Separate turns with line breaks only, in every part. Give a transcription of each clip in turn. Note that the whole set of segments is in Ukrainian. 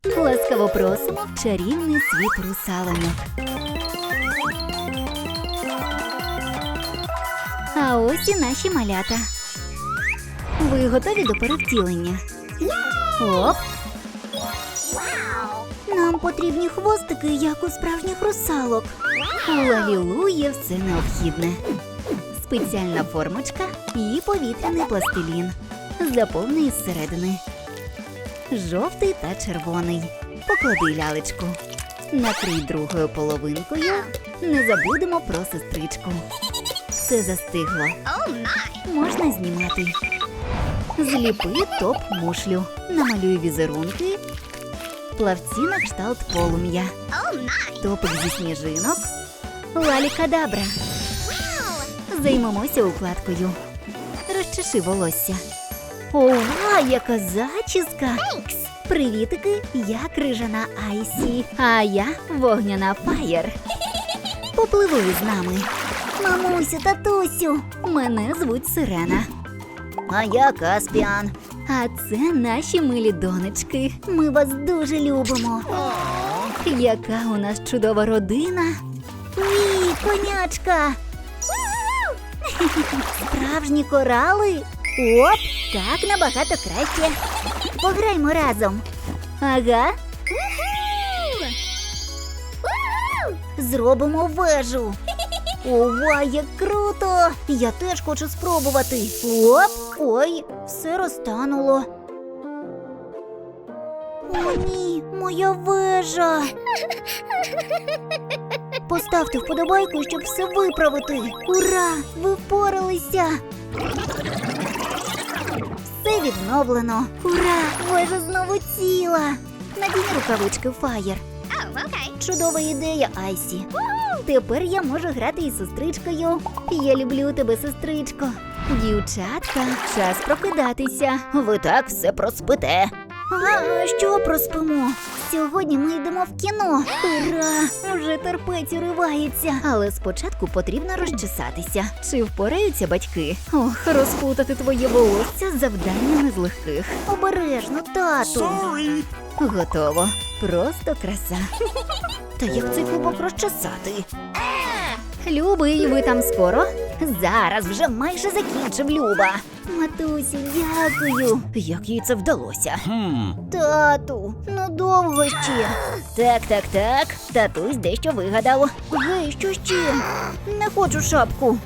Ласкаво просимо в чарівний світ русалоньок. А ось і наші малята. Ви готові до перевтілення? Оп! Нам потрібні хвостики, як у справжніх русалок. У Лалілу є все необхідне. Спеціальна формочка і повітряний пластилін. Заповни із середини. Жовтий та червоний. Поклади лялечку. Накрий другою половинкою. Не забудемо про сестричку. Все застигло. Можна знімати. Зліпи топ-мушлю. Намалюй візерунки. Плавці на кшталт полум'я. Топик зі сніжинок. Лалі-кадабра. Займемося укладкою. Розчеши волосся. Ова, яка зачіска! Привітики, я крижана Айсі, а я вогняна Фаєр. Попливи з нами. Мамусю, татусю, мене звуть Сирена. А я Каспіан. А це наші милі донечки. Ми вас дуже любимо. Яка у нас чудова родина. Ні, конячка. Справжні корали. Оп, так набагато краще. Пограймо разом. Ага. Зробимо вежу. Ова, як круто! Я теж хочу спробувати. Оп! Ой, все розтануло. О, ні, моя вежа. Поставте вподобайку, щоб все виправити. Ура! Ви впоралися! Все відновлено. Ура! Вежа знову ціла. Надінь рукавички, Фаєр. Чудова ідея, Айсі. Тепер я можу грати із сестричкою. Я люблю тебе, сестричко. Дівчатка, час прокидатися. Ви так все проспите. А що проспимо? Сьогодні ми йдемо в кіно. Ура! Вже терпець уривається. Але спочатку потрібно розчесатися. Чи впораються батьки? Ох, розпутати твоє волосся завдання не з легких. Обережно, тату.
Sorry.
Готово. Просто краса. Та як цей клубок розчесати? Любий, ви там скоро? Зараз вже майже закінчив, Люба. Матусю, дякую. Як їй це вдалося? Тату, ну довго ще. Так. Татусь дещо вигадав. Гей, що ще? Не хочу шапку.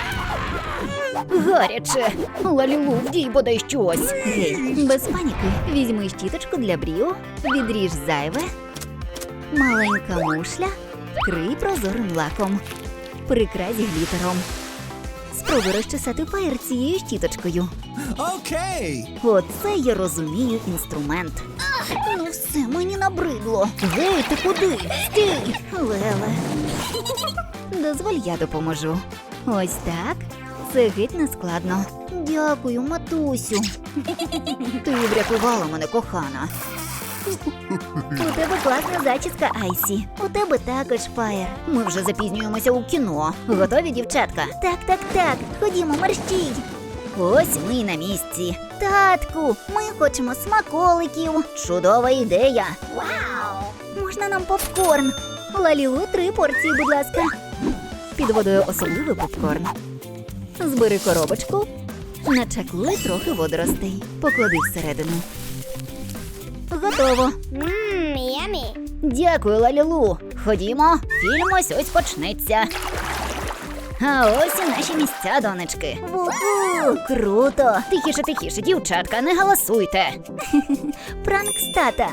Гаряче. Лалілу, вдій бодай щось. Гей, без паніки. Візьми щіточку для брів, відріж зайве. Маленька мушля, вкрий прозорим лаком. Прикрась глітером. Спробуй розчесати Фаєр цією щіточкою.
Окей.
Оце я розумію інструмент. Ну все, мені набридло. Гей, ти куди? Стій! Леле. Дозволь, я допоможу. Ось так. Це геть не складно. Дякую, матусю. Ти врятувала мене, кохана. У тебе класна зачіска, Айсі. У тебе також, Фаєр. Ми вже запізнюємося у кіно. Готові, дівчатка? Так. Ходімо, мерщій. Ось ми й на місці. Татку, ми хочемо смаколиків. Чудова ідея. Вау! Можна нам попкорн? Лалілу, 3 порції, будь ласка. Під водою особливий попкорн. Збери коробочку. Начаклуй трохи водоростей. Поклади всередину. Готово.
Yummy.
Дякую, Лалілу. Ходімо, фільм ось почнеться. А ось і наші місця, донечки. Ву-ху, круто. Тихіше, дівчатка, не галасуйте. Пранк з тата.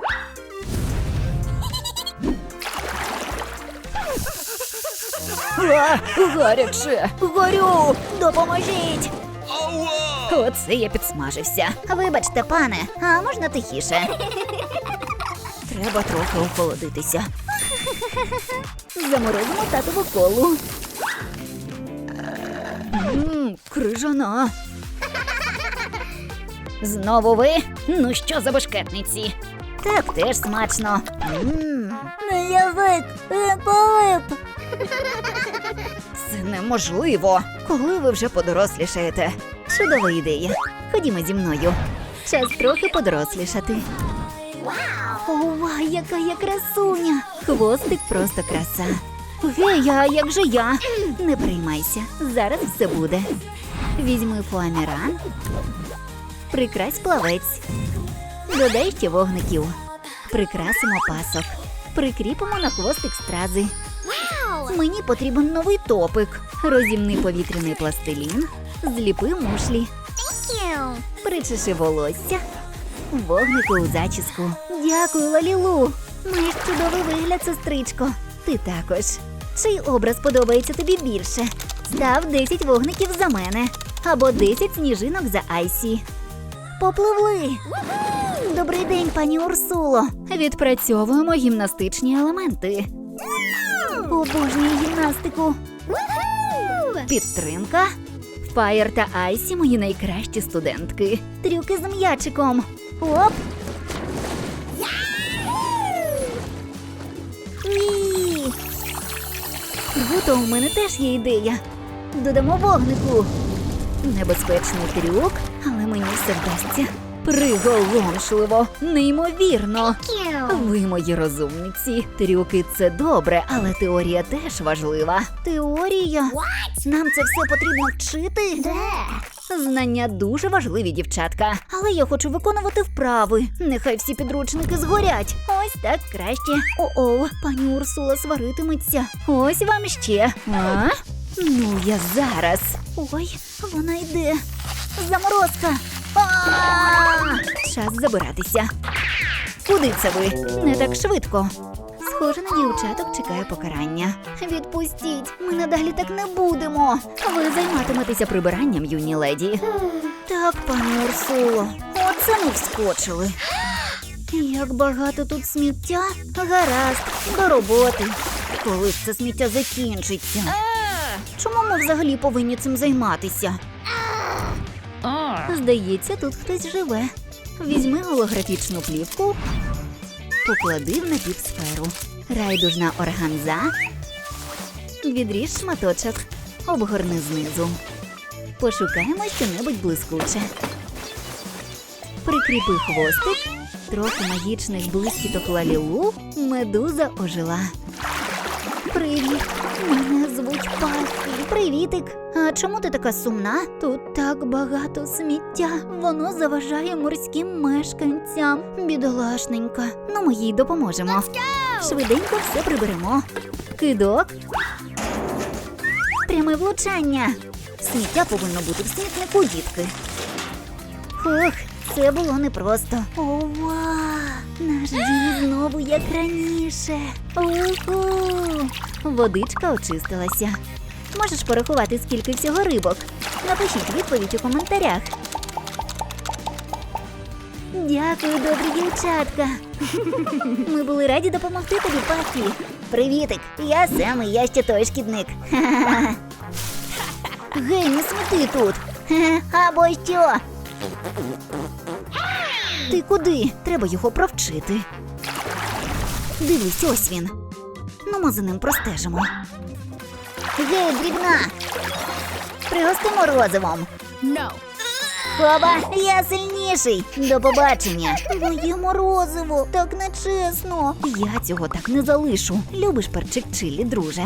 Гаряче. Горю, допоможіть. Оце я підсмажився. Вибачте, пане, а можна тихіше? Треба трохи охолодитися. Заморозимо татову колу. Крижана. Знову ви? Ну що за бешкетниці? Так теж смачно. Язик, лип. Це неможливо. Коли ви вже подорослішаєте? Чудова ідея. Ходімо зі мною. Час трохи подорослішати. Ова, яка я красуня! Хвостик просто краса. Гей, а як же я? Не приймайся, зараз все буде. Візьми фоаміран, прикрась плавець, додай ще вогників, прикрасимо пасок, прикріпимо на хвостик стрази. Мені потрібен новий топик. Розімни повітряний пластилін, зліпи мушлі, причеши волосся, вогники у зачіску. Дякую, Лалілу. Маєш чудовий вигляд, сестричко. Ти також. Чий образ подобається тобі більше? Став 10 вогників за мене. Або 10 сніжинок за Айсі. Попливли! Добрий день, пані Урсуло. Відпрацьовуємо гімнастичні елементи. Обожнюю гімнастику. Підтримка. Фаєр та Айсі – мої найкращі студентки. Трюки з м'ячиком. Оп! Уі! Гуто, у мене теж є ідея. Додамо вогнику. Небезпечний трюк, але мені все вдасться. Приголомшливо, неймовірно. Ви мої розумниці. Трюки – це добре, але теорія теж важлива. Теорія? Нам це все потрібно вчити? Знання дуже важливі, дівчатка. Але я хочу виконувати вправи. Нехай всі підручники згорять. Ось так краще. О-о, пані Урсула сваритиметься. Ось вам ще. А? Ну, я зараз. Ой, вона йде. Заморозка. Час забиратися. Куди це ви? Не так швидко. Схоже, на дівчаток чекає покарання. Відпустіть, ми надалі так не будемо. Ви займатиметеся прибиранням, юні леді. Так, пані Урсуло, оце ми вскочили. Як багато тут сміття. Гаразд, до роботи. Коли ж це сміття закінчиться? Чому ми взагалі повинні цим займатися? Здається, тут хтось живе. Візьми голографічну плівку, поклади в напівсферу. Райдужна органза. Відріж шматочок, обгорни знизу. Пошукаємо що-небудь блискуче. Прикріпи хвостик, трохи магічних блискіток Лалілу, медуза ожила. Привіт, мене звуть Пафі. Привітик. А чому ти така сумна? Тут так багато сміття. Воно заважає морським мешканцям. Бідолашненька. Ну, ми їй допоможемо. Швиденько все приберемо. Кидок. Пряме влучання. Сміття повинно бути в смітнику, дітки. Ох, це було непросто. Ова! Наш дім знову як раніше. Уху! Водичка очистилася. Можеш порахувати, скільки всього рибок? Напишіть відповідь у коментарях. Дякую, добрі дівчатка. Ми були раді допомогти тобі, Пафі. Привітик, я Сем, і я ще той шкідник. Гей, не сміти тут. Або що? Ти куди? Треба його провчити. Дивись, ось він. Ну, ми за ним простежимо. Гей, дрібна! Пригости морозивом. Хоба, я сильніший. До побачення. Моє морозиво, так нечесно. Я цього так не залишу. Любиш перчик чилі, друже?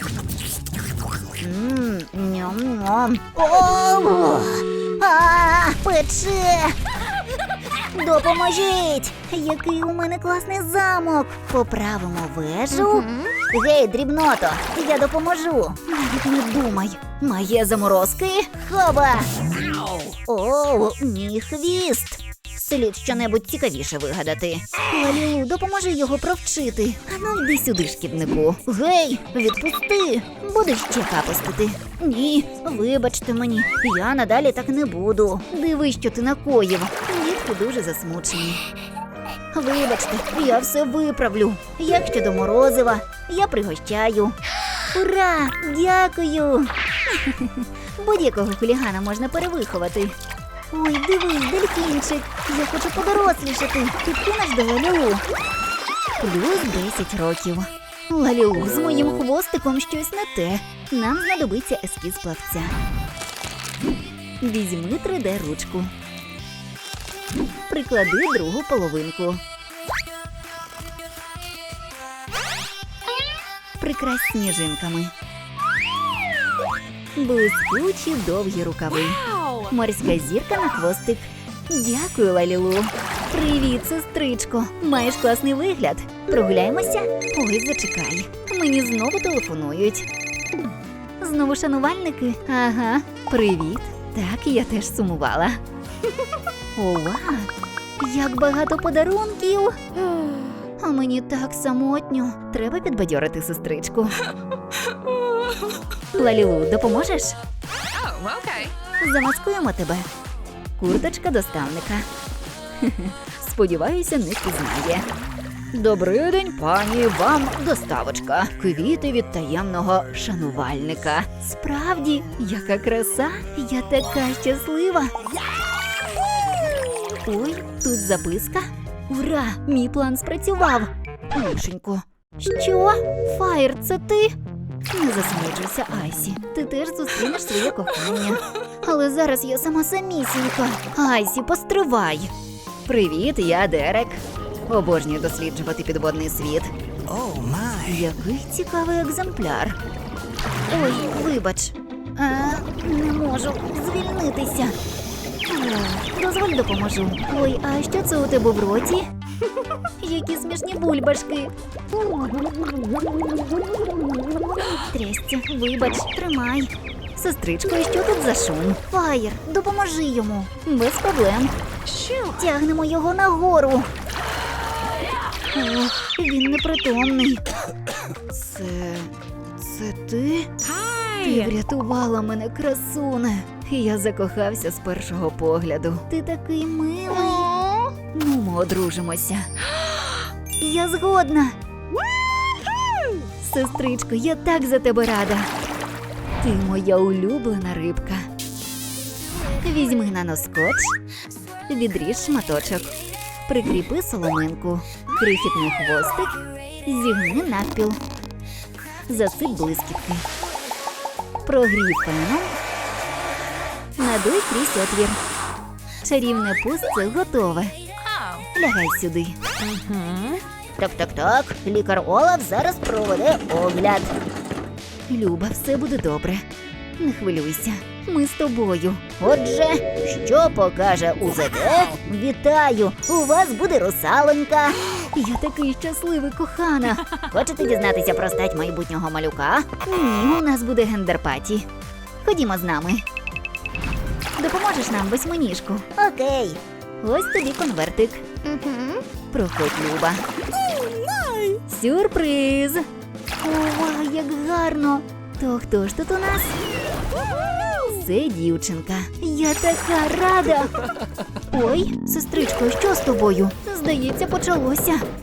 Ням-ням. О! Пече! Допоможіть! Який у мене класний замок! Поправимо вежу. Гей, дрібното, я допоможу. Навіть не думай. Має заморозки? Хоба! О, мій хвіст! Слід щонебудь цікавіше вигадати. Лалілу, допоможи його провчити. Ану, йди сюди, шкіднику. Гей, відпусти! Будеш ще капостити. Ні, вибачте мені, я надалі так не буду. Диви, що ти накоїв. Дітки дуже засмучені. Вибачте, я все виправлю. Як щодо морозива, я пригощаю. Ура! Дякую! Будь-якого хулігана можна перевиховати. Ой, дивись, дельфінчик. Я хочу подорослішати. Підкинеш до Лалілу. Плюс 10 років. Лалілу, з моїм хвостиком щось не те. Нам знадобиться ескіз плавця. Візьми 3D-ручку. Приклади другу половинку. прикрась сніжинками. Блискучі довгі рукави. Морська зірка на хвостик. Дякую, Лалілу. Привіт, сестричко. Маєш класний вигляд. Прогуляємося? Ой, зачекай. Мені знову телефонують. Знову шанувальники? Ага. Привіт. Так, я теж сумувала. Ова! Як багато подарунків! А мені так самотньо. Треба підбадьорити сестричку. Лалілу, допоможеш?
Oh, okay.
Замаскуємо тебе. Курточка доставника. Сподіваюся, не пізнає. Добрий день, пані, вам доставочка. Квіти від таємного шанувальника. Справді, яка краса, я така щаслива. Ой, тут записка. Ура, мій план спрацював. Лишенько. Що? Фаєр, це ти? Не засмучуйся, Айсі. Ти теж зустрінеш своє кохання. Але зараз я сама самісінька. Айсі, постривай. Привіт, я Дерек. Обожнюю досліджувати підводний світ.
Oh my.
Який цікавий екземпляр. Ой, вибач. Не можу звільнитися. Дозволь допоможу. Ой, а що це у тебе в роті? Які смішні бульбашки. Трясця, вибач, тримай. Сестричко, і що тут за шум? Фаєр, допоможи йому. Без проблем. Тягнемо його нагору. Ох, він непритомний. Це ти? Ти врятувала мене, красуне. Я закохався з першого погляду. Ти такий милий. Ну, ми одружимося. Я згодна. Сестричко, я так за тебе рада. Ти моя улюблена рибка. Візьми наноскотч, відріж шматочок, прикріпи соломинку, крихітний хвостик, зігни навпіл, засип блискітки. Прогрій феном, надуй крізь отвір. Чарівне пустце готове.
Oh.
Лягай сюди. Так. Лікар Олаф зараз проведе огляд. Люба, все буде добре. Не хвилюйся. Ми з тобою. Отже, що покаже УЗД? Вітаю! У вас буде русалонька. Я такий щасливий, кохана. Хочете дізнатися про стать майбутнього малюка? Ні, у нас буде гендерпаті. Ходімо з нами. Допоможеш нам, восьминіжку? Окей. Ось тобі конвертик. Проходь, Люба. Сюрприз! Ова, як гарно! То хто ж тут у нас? Це дівчинка. Я така рада! Ой, сестричко, що з тобою? Здається, почалося.